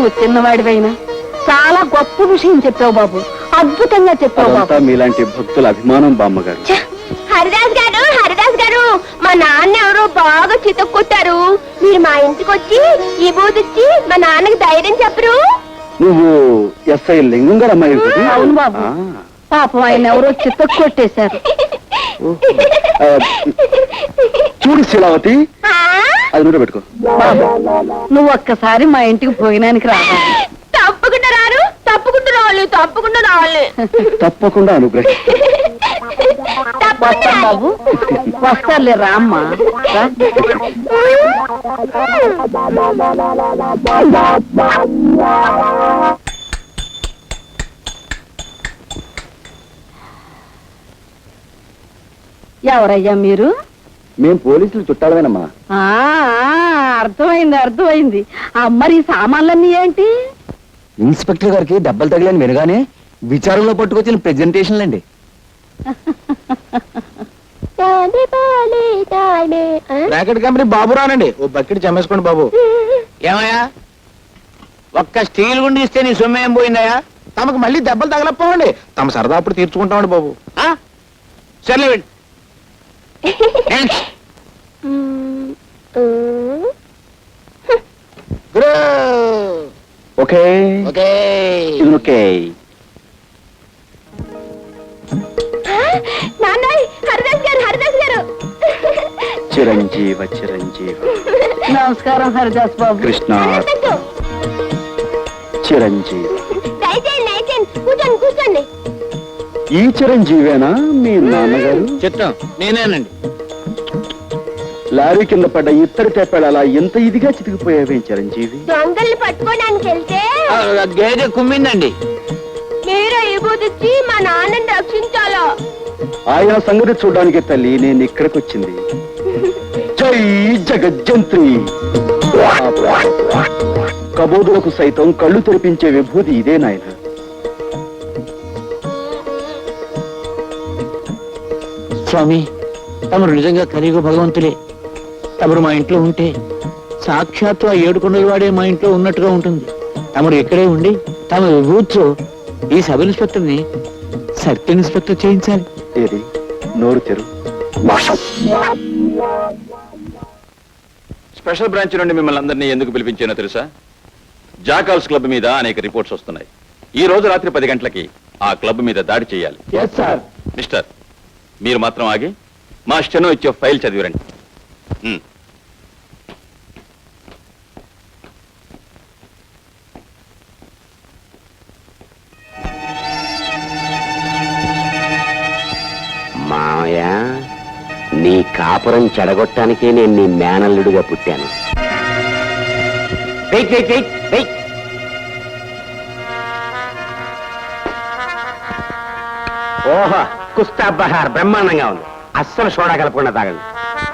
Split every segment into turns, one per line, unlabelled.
నువ్వు చిన్నవాడివైనా చాలా గొప్ప విషయం చెప్పావు బాబు. అద్భుతంగా చెప్పావు బాబు.
మీలాంటి భక్తుల అభిమానం బామ్మగారు.
హరిదాస్ గారు, హరిదాస్ గారు, మా నాన్న ఎవరో బాగా చితక్కొట్టారు. మీరు మా ఇంటికి వచ్చి ఈ బూదిచ్చి మా నాన్నకి ధైర్యం చెప్పరు?
నువ్వు ఎస్ఐ లింగం గారు అమ్మాయి?
అవును బాబు. పాపం ఆయన ఎవరో చితక్కొట్టేశారు.
చూడు శీలావతి, అది నూనె పెట్టుకో.
బాబు నువ్వు ఒక్కసారి మా ఇంటికి భోజనానికి రావాలి.
తప్పకుండా రారు, తప్పకుండా రావాలి, తప్పకుండా రావాలి.
తప్పకుండా అనుగ్రహం.
వస్తాం బాబు, వస్తారులే రామ్మా. ఎవరయ్యా మీరు?
మేం పోలీసులు చుట్టాలమేనమ్మా.
అర్థమైంది అర్థమైంది. మరి ఈ సామాన్లన్నీ ఏంటి?
ఇన్స్పెక్టర్ గారికి దెబ్బలు తగిలని వినగానే విచారంలో పట్టుకొచ్చిన ప్రెజెంటేషన్లు అండి.
బ్రాకెట్ కంపెనీ బాబు రానండి. ఓ బకెట్ చమ్మేసుకోండి బాబు. ఏమయ్యా, ఒక్క స్టీల్ గుండి ఇస్తే నీ సొమ్ము ఏం పోయిందయ్యా? తమకు మళ్ళీ దెబ్బలు తగలపోవండి. తమ సరదా అప్పుడు తీర్చుకుంటామండి బాబు. సర్లే వెళ్ళి.
Okay
okay
okay.
నాన్నయ్, హరిదాస్ గారు, హరిదాస్ గారు.
చిరంజీవ చిరంజీవ.
నమస్కారం హరిదాస్ బాబు.
కృష్ణ చిరంజీవి.
దయచేయండి, దయచేయండి, కూర్చోండి కూర్చోండి.
ఈ చిరంజీవేనా మీ నాన్నగారు?
చిత్తం నేనేనండి.
లారీ కింద పడ్డ ఇత్తడి తెప్పాడు అలా ఎంత ఇదిగా చితికిపోయావే చిరంజీవి?
దొంగల్ని పట్టుకోవడానికి వెళ్తే
గేదె కుమ్మిందండి.
మీరు ఈ బూదిచ్చి మా నాన్నని రక్షించాలా?
ఆయన సంగతి చూడడానికి తల్లి నేను ఇక్కడికి వచ్చింది. జై జగజ్జంత్రి. కబోదులకు సైతం కళ్ళు తెరిపించే విభూతి ఇదే నాయన.
స్వామి, తమరు నిజంగా కలియుగ భగవంతులే. తమరు మా ఇంట్లో ఉంటే సాక్షాత్తు ఆ 7 కొండల వాడే మా ఇంట్లో ఉన్నట్టుగా ఉంటుంది. తమరు ఇక్కడే ఉండి తమ విభూతితో ఈ సబ్ ఇన్స్పెక్టర్ ని సర్కిల్ ఇన్స్పెక్టర్ చేయించాలి.
ఏది నోరు తెరు.
స్పెషల్ బ్రాంచ్ నుండి మిమ్మల్ని అందరినీ ఎందుకు పిలిపించానో తెలుసా? జాకాల్స్ క్లబ్ మీద అనేక రిపోర్ట్స్ వస్తున్నాయి. ఈ రోజు రాత్రి 10 గంటలకి ఆ క్లబ్ మీద దాడి చేయాలి. మిస్టర్, మీరు మాత్రం ఆగి మా స్టెనో ఇచ్చే ఫైల్ చదివిరండి.
మావయ్య, నీ కాపురం చెడగొట్టానికే నేను నీ మేనల్లుడిగా పుట్టాను. ఓహో, కుస్తా బహార్ బ్రహ్మాండంగా ఉంది. అస్సలు సోడా కలపకుండా తాగండి.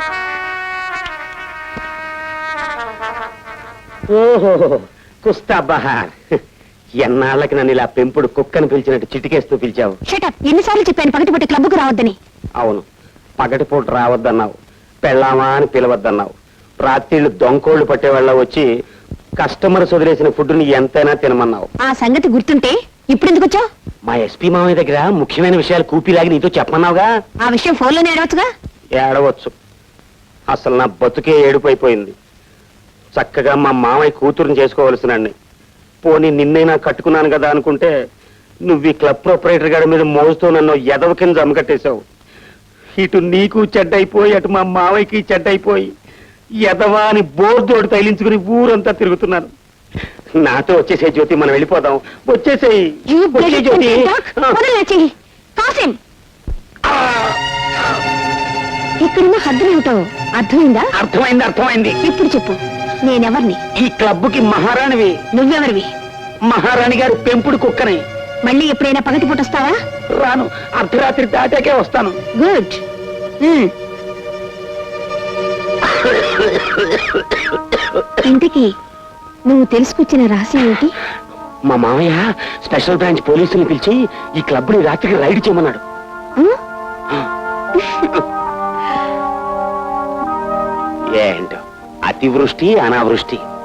ఓహో, కుస్తా బహార్. ఎన్నాళ్ళకి నన్ను ఇలా పెంపుడు కుక్కను పిలిచినట్టు చిటికేస్తూ పిలిచావు.
ఎన్నిసార్లు చెప్పాను పగటిపూట క్లబ్కు రావద్దని?
అవును, పగటిపూట రావద్దన్నావు, పెళ్ళామా అని పిలవద్దన్నావు. రాత్రిళ్ళు దొంకోళ్లు పట్టేవాళ్ళ వచ్చి కస్టమర్స్ వదిలేసిన ఫుడ్ని ఎంతైనా తినమన్నావు.
ఆ సంగతి గుర్తుంటే ఇప్పుడు ఎందుకు వచ్చావు?
మా ఎస్పీ మామయ్య దగ్గర ముఖ్యమైన విషయాలు కూపిలాగి నీతో చెప్పమన్నావుగా.
ఆ విషయం ఫోన్లోనే ఏడవచ్చుగా.
ఏడవచ్చు. అసలు నా బతుకే ఏడుపైపోయింది. చక్కగా మా మామయ్య కూతురుని చేసుకోవలసినండి. పోనీ నిన్నైనా కట్టుకున్నాను కదా అనుకుంటే నువ్వు ఈ క్లబ్ ప్రొపరేటర్ గారి మీద మోజుతో నన్ను ఎదవ కింద జమకట్టేశావు. ఇటు నీకు చెడ్డైపోయి అటు మా మావయ్యకి చెడ్డైపోయి ఎదవా అని బోర్దోడు తైలించుకుని ఊరంతా తిరుగుతున్నాను. నాతో వచ్చేసే జ్యోతి, మనం వెళ్ళిపోదాం. వచ్చేసేయి జ్యోతి.
ఇక్కడున్న హద్దులేమిటో అర్థమైందా?
అర్థమైంది అర్థమైంది.
ఇప్పుడు చెప్పు, నేనెవర్ని?
ఈ క్లబ్కి మహారాణివి.
నువ్వెవరివి?
మహారాణి గారి పెంపుడు కుక్కని.
మళ్ళీ ఎప్పుడైనా పగటిపూట వస్తావా?
రాను, అర్ధరాత్రి దాటాకే వస్తాను.
గుడ్. ఇంతకీ నువ్వు తెలుసుకొచ్చిన రహస్యం ఏంటి?
మా మామయ్య స్పెషల్ బ్రాంచ్ పోలీసుని పిలిచి ఈ క్లబ్ ని రాత్రికి రైడ్ చేయమన్నాడు. ఏంటో అతివృష్టి అనావృష్టి.